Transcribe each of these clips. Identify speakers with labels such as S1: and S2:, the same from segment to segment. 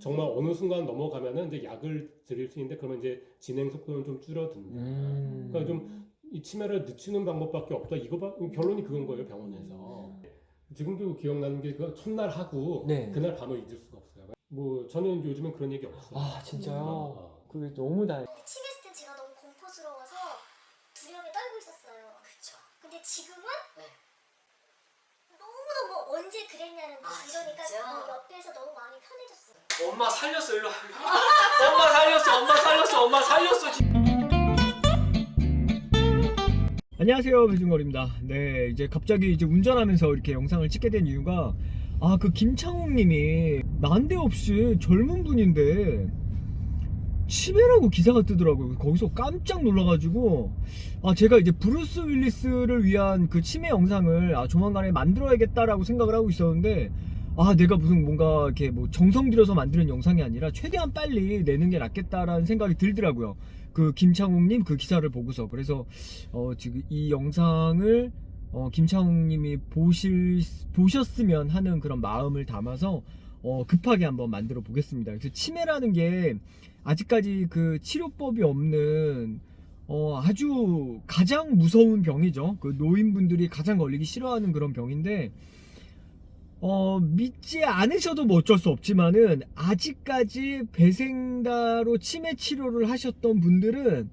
S1: 정말 어느 순간 넘어가면은 이제 약을 드릴 수 있는데 그러면 이제 진행 속도는 좀 줄어든다. 그러니까 좀 이 치매를 늦추는 방법밖에 없다. 결론이 그건 거예요, 병원에서. 지금도 기억나는 게 그 첫날 하고
S2: 네.
S1: 그날 밤을 잊을 수가 없어요. 뭐 저는 요즘은 그런 얘기 없어요.
S2: 아 진짜요?
S1: 어.
S2: 그게 너무 다행.
S3: 치매했을 땐 제가 너무 공포스러워서 두려움에 떨고 있었어요.
S4: 그쵸.
S3: 근데 지금은
S4: 네.
S3: 너무너무 언제 그랬냐는 듯이
S4: 아,
S3: 이러니까
S4: 진짜?
S3: 옆에서 너무 마음이 편해졌어요.
S5: 엄마 살렸어 일로 와. 엄마 살렸어 엄마 살렸어 엄마 살렸어.
S2: 안녕하세요, 배준걸입니다. 네, 이제 갑자기 이제 운전하면서 이렇게 영상을 찍게 된 이유가 그 김창욱님이 난데없이 젊은 분인데 치매라고 기사가 뜨더라고요. 거기서 깜짝 놀라가지고 제가 이제 브루스 윌리스를 위한 그 치매 영상을 조만간에 만들어야겠다라고 생각을 하고 있었는데 내가 무슨 뭔가 이렇게 뭐 정성 들여서 만드는 영상이 아니라 최대한 빨리 내는 게 낫겠다라는 생각이 들더라고요. 그 김창욱님 그 기사를 보고서. 그래서 지금 이 영상을 김창욱님이 보셨으면 하는 그런 마음을 담아서 급하게 한번 만들어 보겠습니다. 그래서 치매라는 게 아직까지 그 치료법이 없는 아주 가장 무서운 병이죠. 그 노인분들이 가장 걸리기 싫어하는 그런 병인데 믿지 않으셔도 뭐 어쩔 수 없지만은 아직까지 배생다로 치매 치료를 하셨던 분들은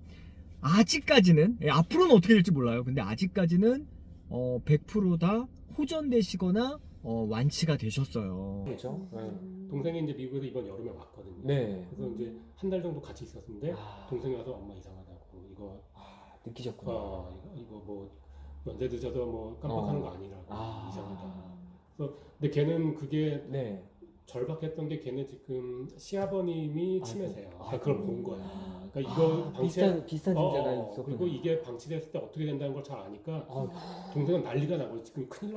S2: 아직까지는 앞으로는 어떻게 될지 몰라요. 근데 아직까지는 100% 다 호전되시거나 완치가 되셨어요. 그렇죠?
S1: 동생이 이제 미국에서 이번 여름에 왔거든요.
S2: 네.
S1: 그래서 이제 한 달 정도 같이 있었는데
S2: 아.
S1: 동생이 와서 엄마 이상하다고 이거
S2: 느끼셨구나.
S1: 이거 뭐 연세 늦어서 뭐 깜빡하는 거 아니라고 이상하다. 그래서 근데 걔는 그게
S2: 네.
S1: 절박했던 게 걔는 지금 시아버님이 치매세요. 그러니까 그걸 본 거야. 그러니까 이거
S2: 비슷한 증세가 있었구나.
S1: 그리고 이게 방치됐을 때 어떻게 된다는 걸 잘 아니까 동생은 난리가 나고 지금 큰일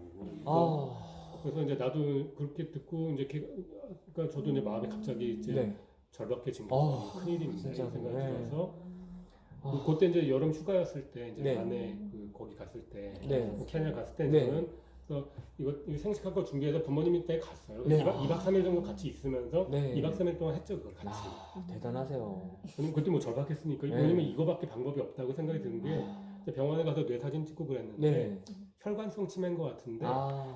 S1: 났다고. 그래서 이제 나도 그렇게 듣고 이제 그러니까 저도 이제 마음이 갑자기 이제
S2: 네.
S1: 절박해진 거예요. 큰일입니다.
S2: 진짜.
S1: 이런 생각이
S2: 네.
S1: 들어서 그때 이제 여름 휴가였을 때 이제
S2: 네.
S1: 아내 거기 갔을 때
S2: 네.
S1: 캐나다 갔을 때
S2: 네.
S1: 저는 그래서 이거 생식할 거 준비해서 부모님 댁에 갔어요.
S2: 네.
S1: 2박 3일 정도 같이 있으면서
S2: 네.
S1: 2박 3일 동안 했죠 그걸 같이.
S2: 대단하세요.
S1: 저는 그때 뭐 절박했으니까
S2: 네.
S1: 왜냐면 이거밖에 방법이 없다고 생각이 드는 게 이제 병원에 가서 뇌 사진 찍고 그랬는데
S2: 네.
S1: 혈관성 치매인 것 같은데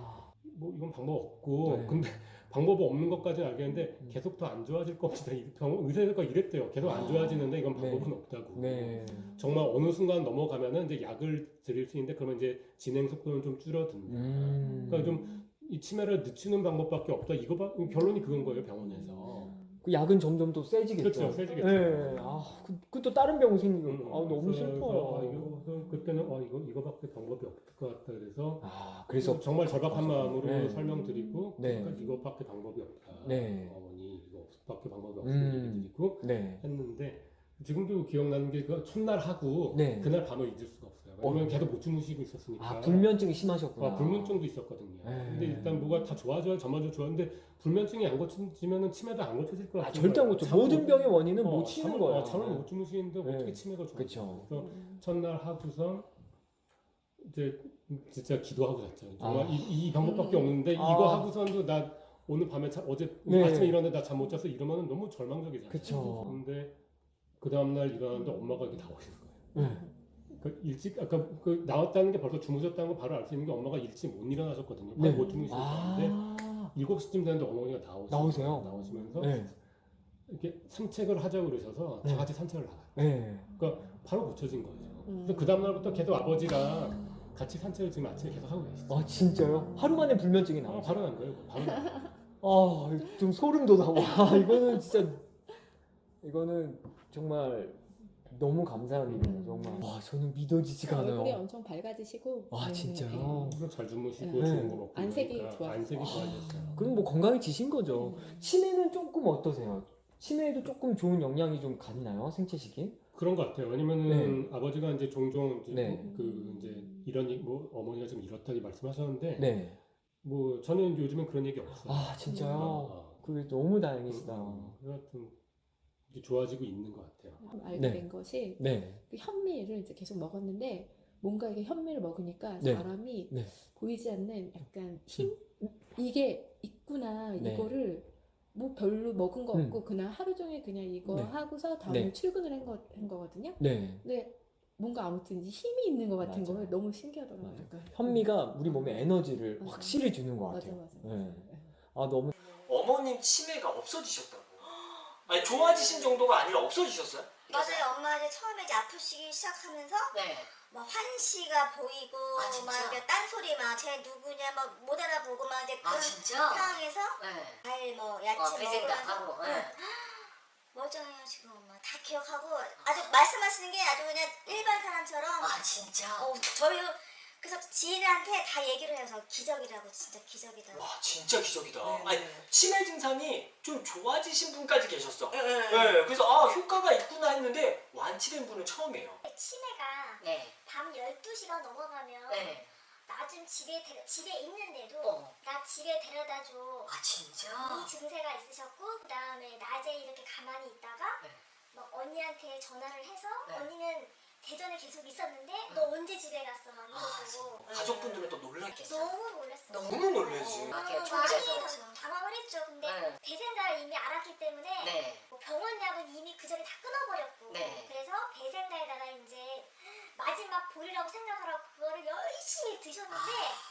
S1: 뭐 이건 방법 없고
S2: 네.
S1: 근데 방법이 없는 것까지는 알겠는데 계속 더 안 좋아질 겁니다. 의사가 이랬대요. 계속 안 좋아지는데 이건 방법은 없다고.
S2: 네.
S1: 정말 어느 순간 넘어가면은 이제 약을 드릴 수 있는데 그러면 이제 진행 속도는 좀 줄어든다. 그러니까 좀 이 치매를 늦추는 방법밖에 없다. 결론이 그건 거예요, 병원에서.
S2: 그 약은 점점 또 세지겠죠.
S1: 그렇죠, 세지겠죠.
S2: 네. 그 또 다른 병 생기고 너무
S1: 그래서
S2: 슬퍼요.
S1: 그때는 이거밖에 방법이 없을 것 같다. 그래서
S2: 그래서
S1: 정말 절박한 마음으로
S2: 네.
S1: 설명드리고
S2: 네.
S1: 그러니까 이거밖에 방법이 없다.
S2: 네.
S1: 어머니 이거밖에 방법이 없는 얘기 드리고
S2: 네.
S1: 했는데 지금도 기억나는 게 그 첫날 하고
S2: 네.
S1: 그날 밤을 잊을 수가 없어요. 왜냐면 계속 못 주무시고 있었으니까.
S2: 불면증이 심하셨구나.
S1: 불면증도 있었거든요.
S2: 네.
S1: 근데 일단 뭐가 다 좋아져요. 저마저 좋았는데 불면증이 안 고쳐지면은 치매도 안 고쳐질 것 같아요.
S2: 절대 안 고쳐. 모든 병의 원인은 못 치는 거예요.
S1: 잠을 못 주무시는데
S2: 네.
S1: 어떻게 치매가 좋아요?
S2: 그쵸.
S1: 그래서 첫날 하고선 이제 진짜 기도하고 잤죠. 정말 이 방법밖에 없는데 이거 하고선도 나 오늘 밤에 어제
S2: 네.
S1: 아침에 일어났는데 나 잠 못 자서 이러면은 너무 절망적이잖아요.
S2: 그쵸.
S1: 근데 그 다음 날 일어났는데 엄마가 이렇게 나오시는 거예요. 그 일찍 아까 그 나왔다는 게 벌써 주무셨다는 거 바로 알 수 있는 게 엄마가 일찍 못 일어나셨거든요. 바로 못 주무시는데 7시쯤 되는데 어머니가 나오시면서 이렇게 산책을 하자고 그러셔서 다 같이 산책을 나가요. 그러니까 바로 고쳐진 거예요. 그래서 그 다음 날부터 계속 아버지랑 같이 산책을 지금 아침에 계속 하고 계시죠.
S2: 진짜요? 하루 만에 불면증이 나와요?
S1: 바로 난 거예요. 바로 난 거예요.
S2: 좀 소름 돋아. 이거는 진짜 이거는 정말 너무 감사한 일이에요. 정말. 저는 믿어지지가 않아요.
S6: 얼굴이 엄청 밝아지시고.
S2: 진짜요?
S1: 잘 주무시고
S2: 네.
S1: 좋은 거 먹고
S6: 안색이
S1: 그러니까
S6: 좋았어요.
S1: 안색이 좋아졌어요.
S2: 그럼 뭐 건강해지신 거죠. 치매는 조금 어떠세요? 치매에도 조금 좋은 영향이 좀 갔나요? 생체식이?
S1: 그런 것 같아요. 왜냐면은 아버지가 이제 종종 이제 이제 이런 뭐 어머니가 좀 이렇다고 말씀하셨는데 뭐 저는 요즘엔 그런 얘기 없어요.
S2: 진짜요? 그게 너무 다행이시다.
S1: 하여튼 이제 좋아지고 있는 것 같아요.
S6: 알게 된 것이 그 현미를 이제 계속 먹었는데 뭔가 이게 현미를 먹으니까 사람이 보이지 않는 약간 힘? 이게 있구나. 이거를 뭐 별로 먹은 거
S2: 음.
S6: 없고 그날 하루 종일 그냥 이거
S2: 네.
S6: 하고서 다음날
S2: 네.
S6: 출근을 한 거거든요.
S2: 네.
S6: 근데 뭔가 아무튼 이제 힘이 있는 것 같은
S2: 맞아요.
S6: 거예요. 너무 신기하더라고요.
S2: 맞아요.
S6: 그러니까.
S2: 현미가 우리 몸에 에너지를
S6: 맞아.
S2: 확실히 주는 것
S6: 맞아
S2: 같아요.
S6: 맞아.
S2: 네. 아 너무
S5: 어머님 치매가 없어지셨다고. 아니 좋아지신 정도가 아니라 없어지셨어요?
S3: 맞아요. 엄마 이제 처음에 이제 아프시기 시작하면서
S4: 네.
S3: 막 환시가 보이고
S4: 아, 진짜?
S3: 막 이렇게 딴소리 막 쟤 누구냐 막 못 알아보고 막 이제
S4: 아
S3: 그런
S4: 진짜?
S3: 상황에서
S4: 네.
S3: 과일 뭐 야채
S4: 배생다
S3: 먹으면서
S4: 하고. 네.
S3: 멀쩡해요 지금 엄마 다 기억하고 아주 말씀하시는 게 아주 그냥 일반 사람처럼
S4: 아 진짜?
S3: 저희 그래서 지인한테 다 얘기를 해서 기적이라고 진짜 기적이다.
S5: 와 진짜 기적이다.
S4: 네.
S5: 아니 치매 증상이 좀 좋아지신 분까지 계셨어.
S3: 네.
S5: 네, 그래서 아 효과가 있구나 했는데 완치된 분은 처음이에요.
S3: 치매가
S4: 네.
S3: 밤 12시가 넘어가면
S4: 네.
S3: 나 좀 집에 있는데도
S4: 어.
S3: 나 집에 데려다 줘.
S4: 아 진짜?
S3: 이 증세가 있으셨고 그다음에 낮에 이렇게 가만히 있다가
S4: 네.
S3: 막 언니한테 전화를 해서
S4: 네.
S3: 언니는 대전에 계속 있었는데 너 언제 집에 갔어 막 이러고
S5: 가족분들은 또 놀랐겠어요.
S3: 너무 놀랐어요.
S5: 너무 놀라지.
S4: 아, 그냥
S3: 많이
S4: 초기라서.
S3: 당황을 했죠. 근데
S4: 네.
S3: 배생다를 이미 알았기 때문에
S4: 네.
S3: 뭐 병원 약은 이미 그 전에 다 끊어버렸고
S4: 네.
S3: 그래서 배생다에다가 이제 마지막 보리라고 생각하라고 그거를 열심히 드셨는데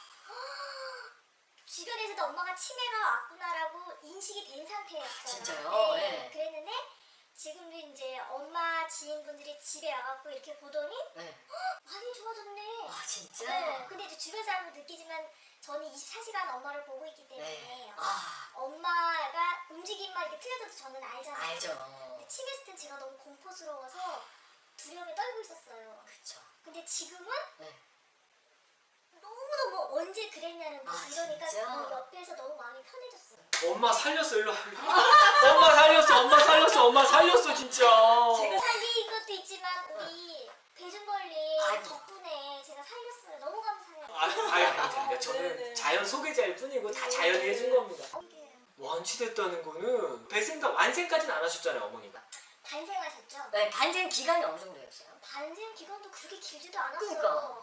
S3: 주변에서도 엄마가 치매가 왔구나라고 인식이 된 상태였어요.
S4: 진짜요? 네.
S3: 그랬는데 지금도 이제 엄마 지인분들이 집에 와갖고 이렇게 보더니
S4: 네.
S3: 많이 좋아졌네.
S4: 아 진짜?
S3: 네. 근데 이제 주변 사람도 느끼지만 저는 24시간 엄마를 보고 있기 때문에
S4: 네. 아
S3: 엄마가 움직임만 이렇게 틀려져도 저는 알잖아요.
S4: 알죠.
S3: 근데 치매했을 땐 제가 너무 공포스러워서 두려움에 떨고 있었어요.
S4: 그쵸.
S3: 근데 지금은
S4: 네.
S3: 너무너무 언제 그랬냐는 듯이
S4: 아,
S3: 이러니까
S4: 진짜?
S3: 옆에서 너무 마음이 편해졌어요.
S5: 엄마 살렸어 일로 와. 엄마 살렸어. 엄마 살렸어. 엄마 살렸어 진짜.
S3: 제가 살린 것도 있지만 우리 배준걸님
S4: 아니.
S3: 덕분에 제가 살렸어요. 너무 감사해요.
S5: 아니 저는 자연 소개자일 뿐이고 다 자연이 해준 겁니다.
S3: 이게
S5: 완치됐다는 거는 배생다 완생까지는 안 하셨잖아요 어머니가.
S3: 반생하셨죠?
S4: 네. 반생 기간이 어느 정도였어요?
S3: 반생 기간도 그렇게 길지도 않았어요.
S4: 그러니까.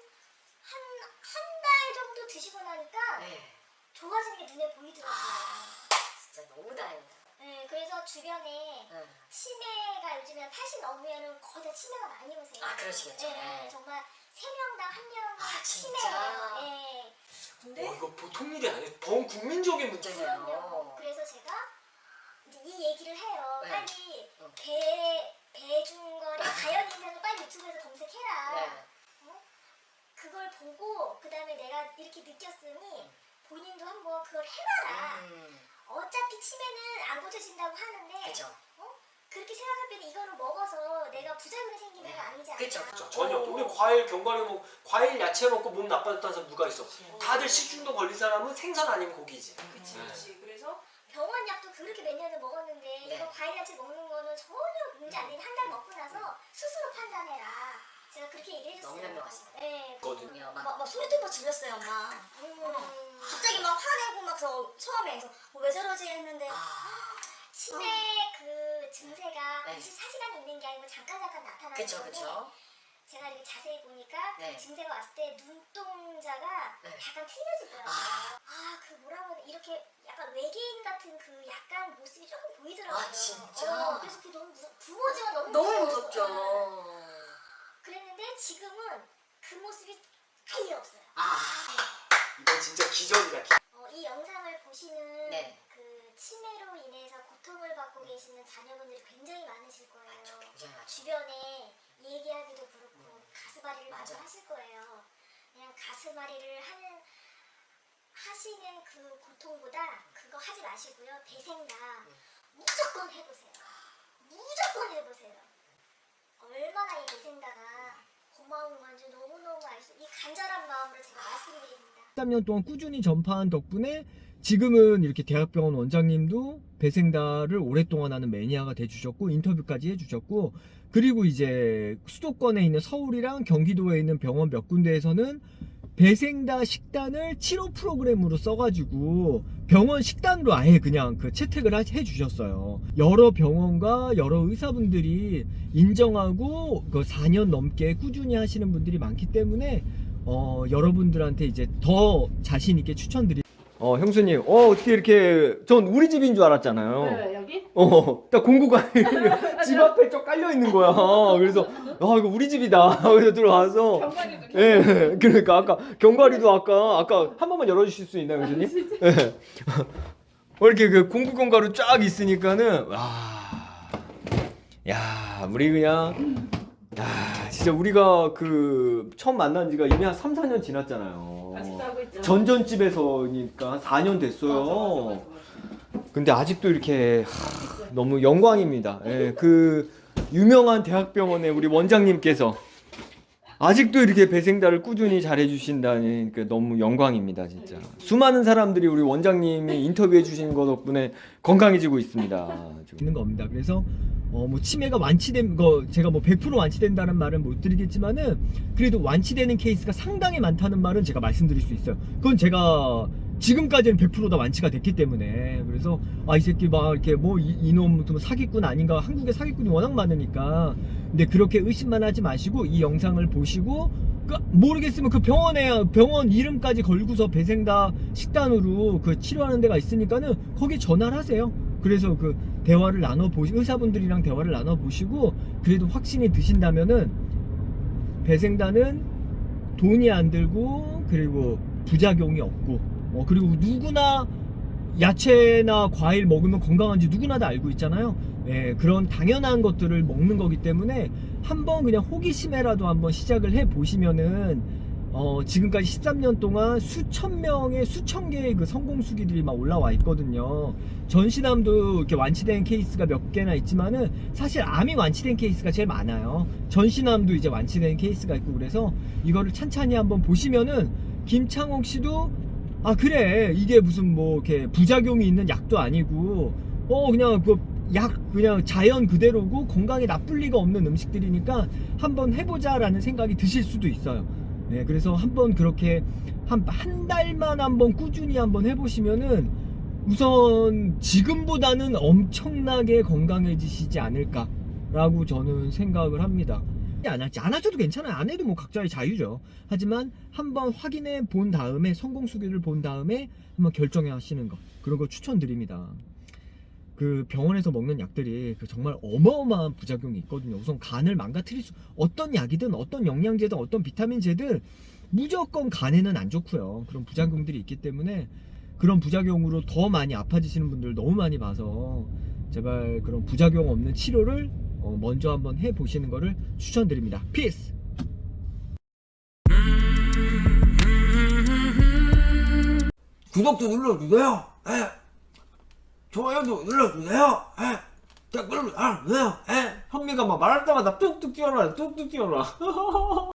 S3: 한 달 정도 드시고 나니까
S4: 네.
S3: 좋아지는 게 눈에 보이더라고요.
S4: 진짜 너무 다행이다.
S3: 네, 그래서 주변에
S4: 네.
S3: 치매가 요즘에 80 넘으면은 거의 다 치매가 많이 오세요.
S4: 아, 그러시겠죠.
S3: 네,
S4: 네.
S3: 정말 3명당 1명
S4: 아, 진짜?
S3: 치매예요. 네.
S4: 근데
S5: 이거 보통 일이 아니에요. 전 국민적인 문제예요.
S3: 그럼요.
S4: 문제네요.
S3: 그래서 제가 이제 이 얘기를 해요.
S4: 네.
S3: 빨리
S4: 응.
S3: 배준거리 자연 인생을 빨리 유튜브에서 검색해라.
S4: 네.
S3: 그걸 보고 그 다음에 내가 이렇게 느꼈으니 본인도 한번 그걸 해봐라. 어차피 치매는 안 고쳐진다고 하는데
S4: 그죠.
S3: 그렇게 생각할 때는 이거를 먹어서 내가 부작용이 생기는 건 아니지 않나.
S4: 그쵸,
S5: 그렇죠. 전혀. 우리 과일 견과류 먹고 과일 야채 먹고 몸 나빠졌다는 사람 누가 있어? 다들 식중독 걸린 사람은 생선 아니면 고기지.
S4: 그치
S5: 네.
S4: 그치. 그래서
S3: 병원 약도 그렇게 몇 년을 먹었는데
S4: 네.
S3: 이거 과일 야채 먹는 거는 전혀 문제 안 되는 한 달 먹고 나서 스스로 판단해라. 제가 그렇게 얘기를 해줬어요.
S4: 너무 현명하시다.
S3: 네.
S5: 거든요.
S3: 막 소리도 막 질렀어요, 엄마. 갑자기 막 화내고 막 처음에 왜 저러지 했는데 치매 그 증세가
S4: 네.
S3: 24시간 있는 게 아니고 잠깐 나타나는
S4: 그쵸
S3: 건데
S4: 그쵸.
S3: 제가 이렇게 자세히 보니까
S4: 네.
S3: 그 증세가 왔을 때 눈동자가
S4: 네.
S3: 약간 틀려지더라고요.
S4: 아.
S3: 그 뭐라고 해야 돼? 이렇게 약간 외계인 같은 그 약간 모습이 조금 보이더라고요.
S4: 아, 진짜?
S3: 그래서 그게 너무 부모지가 너무
S4: 너무
S3: 무서웠어요.
S4: 무섭죠.
S3: 그랬는데 지금은 그 모습이 아예 없어요.
S5: 이건 진짜 기적이다.
S3: 이 영상을 보시는
S4: 네.
S3: 그 치매로 인해서 고통을 받고 계시는 자녀분들이 굉장히 많으실 거예요.
S4: 굉장히 많죠.
S3: 주변에 얘기하기도 그렇고 가슴앓이를 많이
S4: 맞아.
S3: 하실 거예요. 그냥 가슴앓이를 하시는 그 고통보다 그거 하지 마시고요. 배생다 무조건 해보세요. 무조건 해보세요. 얼마나 이 배생다가 고마운 건지 너무너무 이 간절한 마음으로 제가 말씀드립니다.
S2: 13년 동안 꾸준히 전파한 덕분에 지금은 이렇게 대학병원 원장님도 배생다를 오랫동안 하는 매니아가 돼주셨고 인터뷰까지 해주셨고, 그리고 이제 수도권에 있는 서울이랑 경기도에 있는 병원 몇 군데에서는 배생다 식단을 치료 프로그램으로 써가지고 병원 식단으로 아예 그냥 그 채택을 해주셨어요. 여러 병원과 여러 의사분들이 인정하고 그 4년 넘게 꾸준히 하시는 분들이 많기 때문에 여러분들한테 이제 더 자신 있게 추천드립니다. 형수님, 어떻게 이렇게, 전 우리 집인 줄 알았잖아요.
S6: 네, 여기?
S2: 딱 공구가 집 앞에 쭉 깔려 있는 거야. 그래서, 이거 우리 집이다. 그래서 들어와서.
S6: 경관이도.
S2: 예, 그러니까 아까 경과리도 아까 한 번만 열어주실 수 있나요, 교수님? 예. 이렇게 그 공구 경과로 쫙 있으니까는 야, 우리 그냥 진짜 우리가 그 처음 만난 지가 이미 한 3, 4년 지났잖아요.
S6: 아직도 하고 있죠.
S2: 전전집에서니까 한 4년 됐어요.
S6: 맞아.
S2: 근데 아직도 이렇게 너무 영광입니다. 예, 그 유명한 대학병원의 우리 원장님께서 아직도 이렇게 배생다를 꾸준히 잘해주신다니 너무 영광입니다, 진짜. 수많은 사람들이 우리 원장님이 인터뷰해 주신 거 덕분에 건강해지고 있습니다. 있는 겁니다. 그래서 뭐 치매가 완치된 거 제가 뭐 100% 완치된다는 말은 못 드리겠지만은 그래도 완치되는 케이스가 상당히 많다는 말은 제가 말씀드릴 수 있어요. 그건 제가 지금까지는 100%다 완치가 됐기 때문에. 그래서 이 새끼 막 이렇게 뭐 이놈 사기꾼 아닌가, 한국에 사기꾼이 워낙 많으니까. 근데 그렇게 의심만 하지 마시고 이 영상을 보시고 모르겠으면 그 병원 이름까지 걸고서 배생다 식단으로 그 치료하는 데가 있으니까는 거기 전화를 하세요. 그래서 그 대화를 의사분들이랑 대화를 나눠 보시고 그래도 확신이 드신다면은 배생다는 돈이 안 들고 그리고 부작용이 없고 그리고 누구나 야채나 과일 먹으면 건강한지 누구나 다 알고 있잖아요. 예, 그런 당연한 것들을 먹는 거기 때문에 한번 그냥 호기심에라도 한번 시작을 해 보시면은 지금까지 13년 동안 수천 개의 그 성공 수기들이 막 올라와 있거든요. 전신암도 이렇게 완치된 케이스가 몇 개나 있지만은 사실 암이 완치된 케이스가 제일 많아요. 전신암도 이제 완치된 케이스가 있고 그래서 이거를 찬찬히 한번 보시면은 김창옥 씨도 그래 이게 무슨 뭐 이렇게 부작용이 있는 약도 아니고 그냥 그 약 그냥 자연 그대로고 건강에 나쁠 리가 없는 음식들이니까 한번 해보자라는 생각이 드실 수도 있어요. 네, 그래서 한번 그렇게 한 달만 한번 꾸준히 한번 해보시면은 우선 지금보다는 엄청나게 건강해지시지 않을까라고 저는 생각을 합니다. 안 하셔도 괜찮아요. 안 해도 뭐 각자의 자유죠. 하지만 한번 확인해 본 다음에 성공 수기를 본 다음에 한번 결정해 하시는 거 그런 거 추천드립니다. 그 병원에서 먹는 약들이 정말 어마어마한 부작용이 있거든요. 우선 간을 망가뜨릴 어떤 약이든 어떤 영양제든 어떤 비타민제든 무조건 간에는 안 좋고요. 그런 부작용들이 있기 때문에 그런 부작용으로 더 많이 아파지시는 분들 너무 많이 봐서 제발 그런 부작용 없는 치료를 먼저 한번 해보시는 거를 추천드립니다. 피스!
S7: 구독도 눌러주세요. 좋아요도 눌러주세요. 댓글도 달아주세요.
S2: 현미가 막 말할 때마다 뚝뚝 뛰어라.